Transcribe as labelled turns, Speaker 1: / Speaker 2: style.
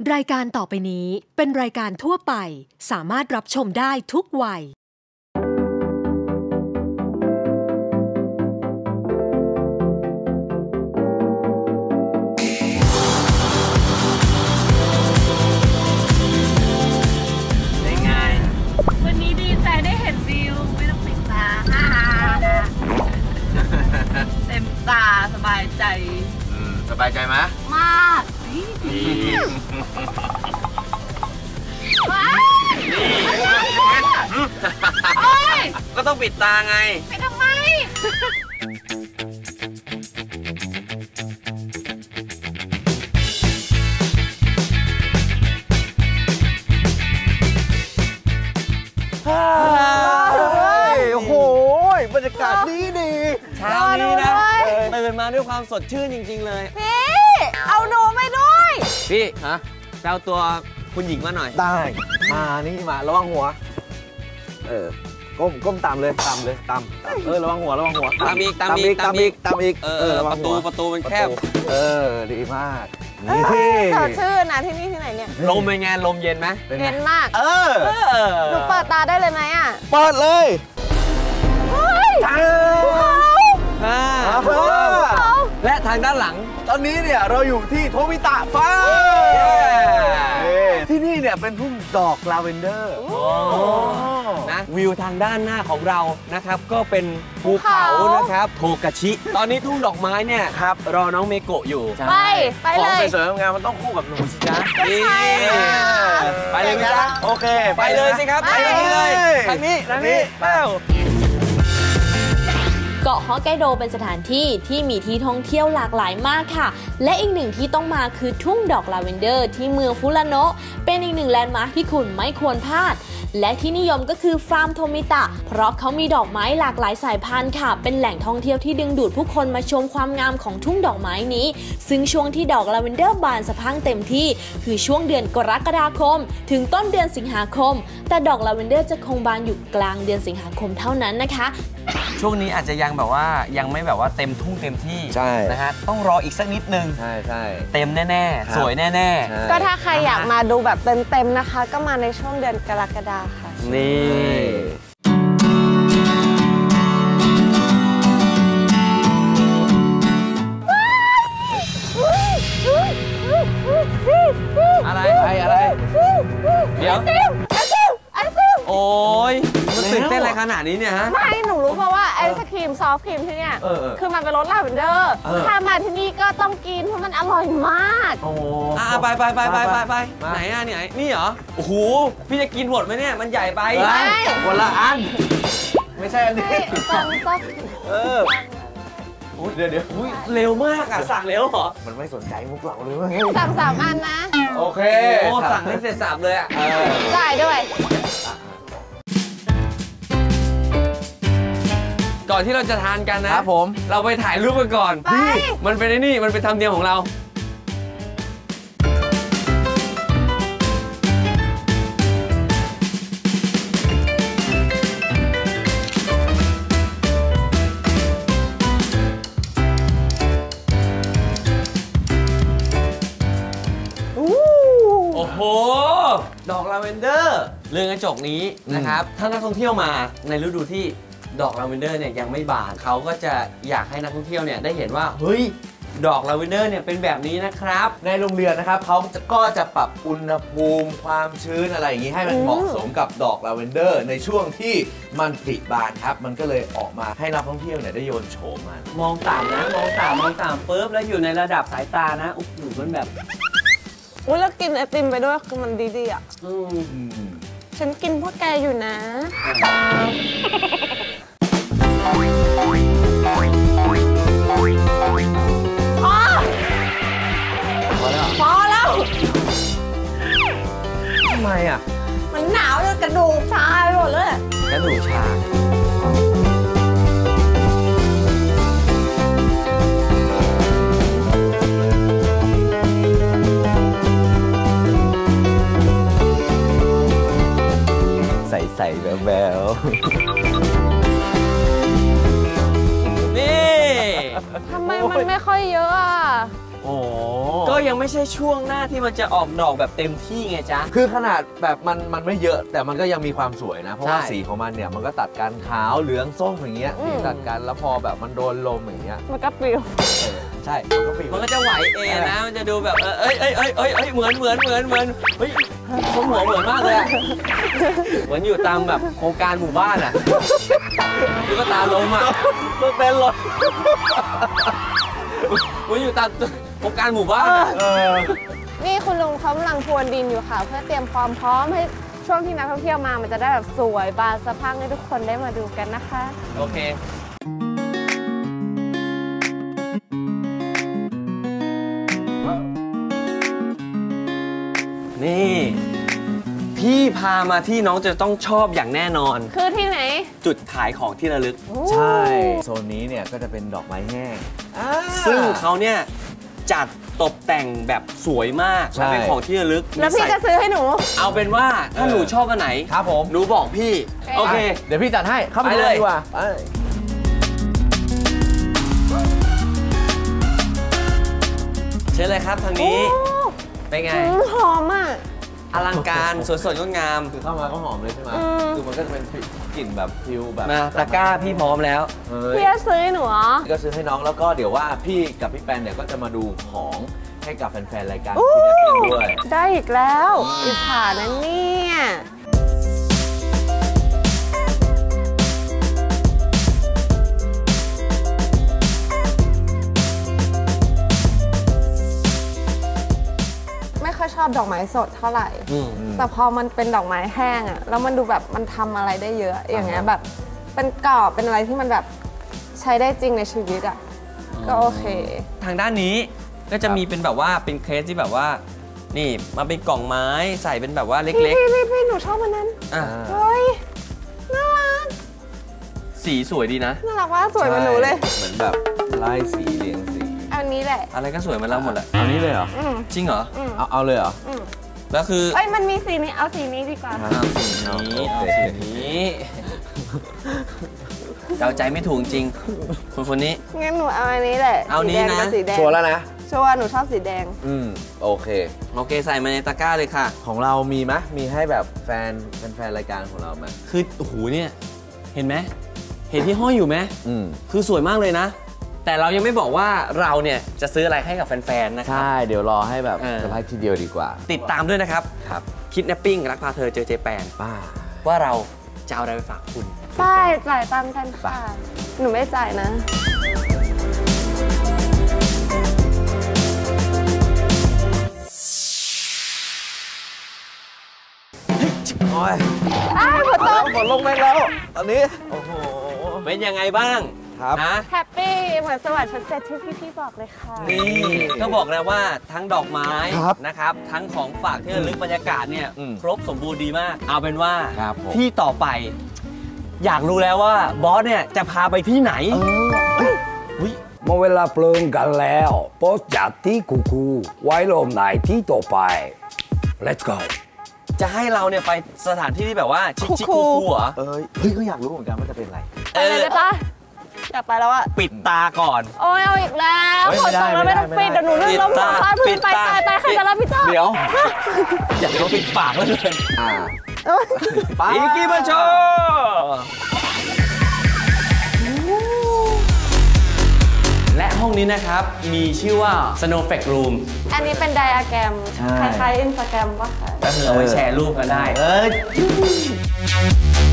Speaker 1: รายการต่อไปนี้เป็นรายการทั่วไปสามารถรับชมได้ทุกวัย
Speaker 2: เป็นไง
Speaker 3: วันนี้ดีใจได้เห็นวิวไม่ต้องปิดตาเต็มตาสบายใจ
Speaker 2: สบายใจไหม
Speaker 3: มาก
Speaker 2: ดีก็ต้องปิดตาไง
Speaker 3: ไปทำไม
Speaker 2: โอ้โหบรรยากาศดีเช้านี้นะตื่นมาด้วยความสดชื่นจริงๆเลย
Speaker 3: พี่เอาหนูไปด้วย
Speaker 2: พี่ฮะไปเอาตัวคุณหญิงมาหน่อย
Speaker 4: ได้มานี่มาระวังหัวก้มตามเลยตามระวังหัว
Speaker 2: ตามอีกประตูมันแคบ
Speaker 4: ดีมาก
Speaker 3: นี่สดชื่นนะที่นี่ที่ไหนเนี่ย
Speaker 2: ลมเป็นไงลมเย็นไหม
Speaker 3: เย็นมากหนูเปิดตาได้เลยไหมอ่ะ
Speaker 4: เปิดเลย
Speaker 2: และทางด้านหลัง
Speaker 4: ตอนนี้เนี่ยเราอยู่ที่โทมิตะฟาร์มที่นี่เนี่ยเป็นทุ่งดอกลาเวนเดอร์
Speaker 2: นะวิวทางด้านหน้าของเรานะครับก็เป็นภูเขานะครับโทกาชิตอนนี้ทุ่งดอกไม้เนี่ยครับรอน้องเมโกะอยู่
Speaker 3: ไปเลย
Speaker 4: ของสวยๆงามมันต้องคู่กับหนูสิจ๊ะ
Speaker 2: ไปเลยไหมจ๊ะ
Speaker 4: โอเค
Speaker 2: ไปเลยสิครับไปเลยทางนี้แล้ว
Speaker 5: เกาะฮอกไกโดเป็นสถานที่ที่มีที่ท่องเที่ยวหลากหลายมากค่ะและอีกหนึ่งที่ต้องมาคือทุ่งดอกลาเวนเดอร์ที่เมืองฟุราโนะเป็นอีกหนึ่งแลนด์มาร์คที่คุณไม่ควรพลาดและที่นิยมก็คือฟาร์มโทมิตะเพราะเขามีดอกไม้หลากหลายสายพันธุ์ค่ะเป็นแหล่งท่องเที่ยวที่ดึงดูดผู้คนมาชมความงามของทุ่งดอกไม้นี้ซึ่งช่วงที่ดอกลาเวนเดอร์บานสะพรั่งเต็มที่คือช่วงเดือนกรกฎาคมถึงต้นเดือนสิงหาคมแต่ดอกลาเวนเดอร์จะคงบานอยู่กลางเดือนสิงหาคมเท่านั้นนะคะ
Speaker 2: ช่วงนี้อาจจะยังแบบว่ายังไม่แบบว่าเต็มทุ่งเต็มที่นะฮะต้องรออีกสักนิดนึง
Speaker 4: ใช่
Speaker 2: เต็มแน่ๆสวยแน่
Speaker 3: ๆก็ถ้าใครอยากมาดูแบบเต็มๆนะคะก็มาในช่วงเดือนกรกฎาคมค่ะ
Speaker 2: นี่อะไรเดี๋ยวโอ้ยมันตื่นเต้นอะไรขนาดนี้เนี่ยฮะ
Speaker 3: ไม่หนูรู้เพราะว่าไอศครีมซอฟต์ครีมที่เนี่ยคือมันเป็นรสลาเวนเดอร์ถ้ามาที่นี่ก็ต้องกินเพราะมันอร่อยมาก
Speaker 2: โอ้ไปไหนอ่ะเนี่ยนี่เหรอโอ้โหพี่จะกินหมดไหมเนี่ยมันใหญ่ไป
Speaker 4: คนละอันไม่ใช่อันนี้เดี๋ยว
Speaker 2: เร็วมากอ่ะสั่งเร็วเหรอ
Speaker 4: มันไม่สนใจมุกเราเลย
Speaker 3: สั่ง3 อันนะ
Speaker 4: โอเค
Speaker 2: สั่งให้เสร็จ3เลยอ่ะ
Speaker 3: จ่ายด้วย
Speaker 2: ก่อนที่เราจะทานกันนะครับผมเราไปถ่ายรูปกันก่อนมันเป็นนี่มันเป็นธรรมเนียมของเราโอ้โหดอกลาเวนเดอร์เรือนกระจกนี้นะครับถ้านักท่องเที่ยวมาในฤดูที่ดอกลาเวนเดอร์เนี่ยยังไม่บานเขาก็จะอยากให้นักท่องเที่ยวเนี่ยได้เห็นว่าเฮ้ยดอกลาเวนเดอร์เนี่ยเป็นแบบนี้นะครับ
Speaker 4: ในโรงเรียนนะครับเขาก็จะปรับอุณหภูมิความชื้นอะไรอย่างนี้ให้มันเหมาะสมกับดอกลาเวนเดอร์ในช่วงที่มันผลิบานครับมันก็เลยออกมาให้นักท่องเที่ยวเนี่ยได้โยนโฉมมัน
Speaker 2: มองต่ำนะมองต่ำปุ๊บแล้วอยู่ในระดับสายตานะโอ้โหมันแบบ
Speaker 3: แล้วกินไอติมไปด้วยคือมันดีๆอ่ะฉันกินพวกแกอยู่นะพอแล้ว
Speaker 4: ทำไมอ่ะ
Speaker 3: มันหนาวจนกระดูกชาไปหมดเลย
Speaker 2: กระดูกชา
Speaker 4: ใส่แวว
Speaker 2: นี่
Speaker 3: ทำไมมันไม่ค่อยเยอะอ่ะ
Speaker 2: ก็ยังยังไม่ใช่ช่วงหน้าที่มันจะออกดอกแบบเต็มที่ไงจ๊ะ
Speaker 4: คือขนาดแบบมันไม่เยอะแต่มันก็ยังมีความสวยนะ เพราะว่า
Speaker 2: ใช่
Speaker 4: สีของมันเนี่ยมันก็ตัดกันขาวเหลืองส้มอย่างเงี้ยสีตัดกันแล้วพอแบบมันโดนลมอย่างเงี้ย
Speaker 3: มันก็ปลิว
Speaker 4: ใช่มันก็ปี
Speaker 2: มันก็จะไหวเองนะ มันจะดูแบบเหมือนเฮ้ยทรงหัวเหมือนมากเลยอะเหมือนอยู่ตามแบบโครงการหมู่บ้านอะตุ๊กตาลมอะมันเป็นรถเหมือนอยู่ตามโครงการหมู่บ้านอะ
Speaker 3: นี่คุณลุงเขากำลังพรวนดินอยู่ค่ะ เพื่อเตรียมความพร้อมให้ช่วงที่นักท่องเที่ยวมามันจะได้แบบสวยบานสะพรั่งให้ทุกคนได้มาดูกันนะคะ
Speaker 2: โอเค นี่ พี่พามาที่น้องจะต้องชอบอย่างแน่นอน
Speaker 3: คือที่ไหน
Speaker 2: จุดขายของที่ระลึก
Speaker 4: ใช่โซนนี้เนี่ยก็จะเป็นดอกไม้แห้ง
Speaker 2: ซึ่งเขาเนี่ยจัดตกแต่งแบบสวยมาก
Speaker 4: ใช่
Speaker 2: เป็นของที่ระลึก
Speaker 3: แล้วพี่จะซื้อให้หนู
Speaker 2: เอาเป็นว่าถ้าหนูชอบอันไหน
Speaker 4: ครับผม
Speaker 2: หนูบอกพี่ โอเค
Speaker 4: เดี๋ยวพี่จัดให้เข้าไป
Speaker 2: ไป
Speaker 4: เล
Speaker 2: เลย ย
Speaker 4: ดีกว่าไป
Speaker 2: เชิญเลยครับทางนี้ เป็นไง
Speaker 3: หอมอ่ะ
Speaker 2: อลังการสวยสดงดงาม
Speaker 4: คือเข้ามาก็หอมเลยใช่ไหมคือมันก็จะเป็นกลิ่นแบบฟิลแบบ
Speaker 2: มาตะกร้าพี่พร้อมแล้ว
Speaker 4: เฮ้ย
Speaker 3: พี่จะซื้อให้หนูเหรอ
Speaker 4: ก็ซื้อให้น้องแล้วก็เดี๋ยวว่าพี่กับพี่แปนเนี่ยก็จะมาดูของให้กับแฟนๆรายการคุณแอปปิ้งด้วย
Speaker 3: ได้อีกแล้วอิจฉานะเนี่ย ไม่ค่อยชอบดอกไม้สดเท่าไหร่ แต่พอมันเป็นดอกไม้แห้งอะแล้วมันดูแบบมันทำอะไรได้เยอะอย่างเงี้ยแบบเป็นกรอบเป็นอะไรที่มันแบบใช้ได้จริงในชีวิตอะก็โอเค
Speaker 2: ทางด้านนี้ก็จะมีเป็นแบบว่าเป็นเคสที่แบบว่า นี่มาเป็นกล่องไม้ใส่เป็นแบบว่าเล็ก
Speaker 3: พี่หนูชอบมันนั้น
Speaker 2: ๆอ่ะ
Speaker 3: เฮ้ยน่ารัก
Speaker 2: สีสวยดีนะ
Speaker 3: น่ารักว่าสวยเหมือนหนูเลย
Speaker 4: เหมือนแบบไล่สีเรียงสี
Speaker 3: อันนี้แหละ
Speaker 2: อะไรก็สวยเหมาแล้วหมดแหละ
Speaker 4: เอานี้เลยเหรอ
Speaker 2: จริงเหรอ
Speaker 4: เอาเลยเหรอ
Speaker 2: แล้วคือ
Speaker 3: เอ้ยมันมีสีนี้เอาสีนี้ดีกว่า
Speaker 2: เอาสีนี้เอาสีนี้เดาใจไม่ถูกจริงคนนี้
Speaker 3: งั้นหนูเอาอันนี้แหละ
Speaker 2: เอานี้นะ
Speaker 3: สีแดง
Speaker 4: ชัวร์แล้วนะ
Speaker 3: ชัวร์หนูชอบสีแดง
Speaker 4: โอเค
Speaker 2: โอเคใส่มาในตะกร้าเลยค่ะ
Speaker 4: ของเรามีไหมมีให้แบบแฟนรายการของเราไหม
Speaker 2: คือโอ้โหเนี่ยเห็นไหมเห็นที่ห้อยอยู่ไหม
Speaker 4: อืม
Speaker 2: คือสวยมากเลยนะ แต่เรายังไม่บอกว่าเราเนี่ยจะซื้ออะไรให้กับแฟนๆ นะครับ
Speaker 4: ใช่ เดี๋ยวรอให้แบบ
Speaker 2: เออ
Speaker 4: เซอร์ไพรส์ทีเดียวดีกว่า
Speaker 2: ติดตามด้วยนะครับ
Speaker 4: ครับ
Speaker 2: คิดแนปปิ้งรักพาเธอเจอเจแปน
Speaker 4: ป้า
Speaker 2: ว่าเราจะเอาอะไรไปฝากคุณ
Speaker 3: ใช่จ่ายตามกันค่ะ หนูไม่จ่ายนะ
Speaker 4: โอ้ย
Speaker 3: อ้าวฝนตก
Speaker 4: ฝนลงแม่งแล้ว ตอนนี้ โอ้โห
Speaker 2: เป็นยังไงบ้าง
Speaker 4: ครับ
Speaker 2: นะ
Speaker 3: แฮปปี้เหมือนสวัสดิ์ชั้น7ที่พี่ๆบอกเลยค่ะ
Speaker 2: นี่ก็บอกแล้วว่าทั้งดอกไม้
Speaker 4: ครับ
Speaker 2: นะครับ ทั้งของฝากที่ระลึกบรรยากาศเนี่ย ครบสมบูรณ์ดีมาก เอาเป็นว่า
Speaker 4: ครับผม
Speaker 2: ที่ต่อไป อยากรู้แล้วว่าบอสเนี่ยจะพาไปที่ไหน
Speaker 6: เมื่อเวลาเพลิงกันแล้วโพสต์จากที่คูไว้ลมไหนที่ต่อไป let's go
Speaker 2: จะให้เราเนี่ยไปสถานที่ที่แบบว่าชิคๆคูลๆเหรอ
Speaker 4: เฮ้ยก็อยากรู้เหมือนกันว่าจะเป็นอะไร
Speaker 3: ไปเลยได้ปะอยากไปแล้วอะ
Speaker 2: ปิดตาก่อน
Speaker 3: โอ้ยเอาอีกแล้ว
Speaker 4: เฮ้ย
Speaker 3: ฝ
Speaker 4: ไม่
Speaker 3: น
Speaker 4: ได้
Speaker 3: ตกแล้วไม่ต้อง
Speaker 4: ไม่
Speaker 3: ปิด
Speaker 4: ได้
Speaker 3: เดี๋ยวหนูเลื่อนล้มหัวฟาดพื้นไปตายใครจะรับผิดชอบ
Speaker 4: เดี๋ยว
Speaker 2: อยากจะปิดปากแล้วเลย
Speaker 4: ไป
Speaker 2: อีกิมาโชและห้องนี้นะครับ มีชื่อว่า Snow Effect Room
Speaker 3: อันนี้เป็นไดอะแกรม
Speaker 4: ใช่
Speaker 3: คล้ายๆอินสตาแกรมปะคะ
Speaker 2: ก็คือเอาไว้แชร์รูปกันได้
Speaker 4: เอ้ย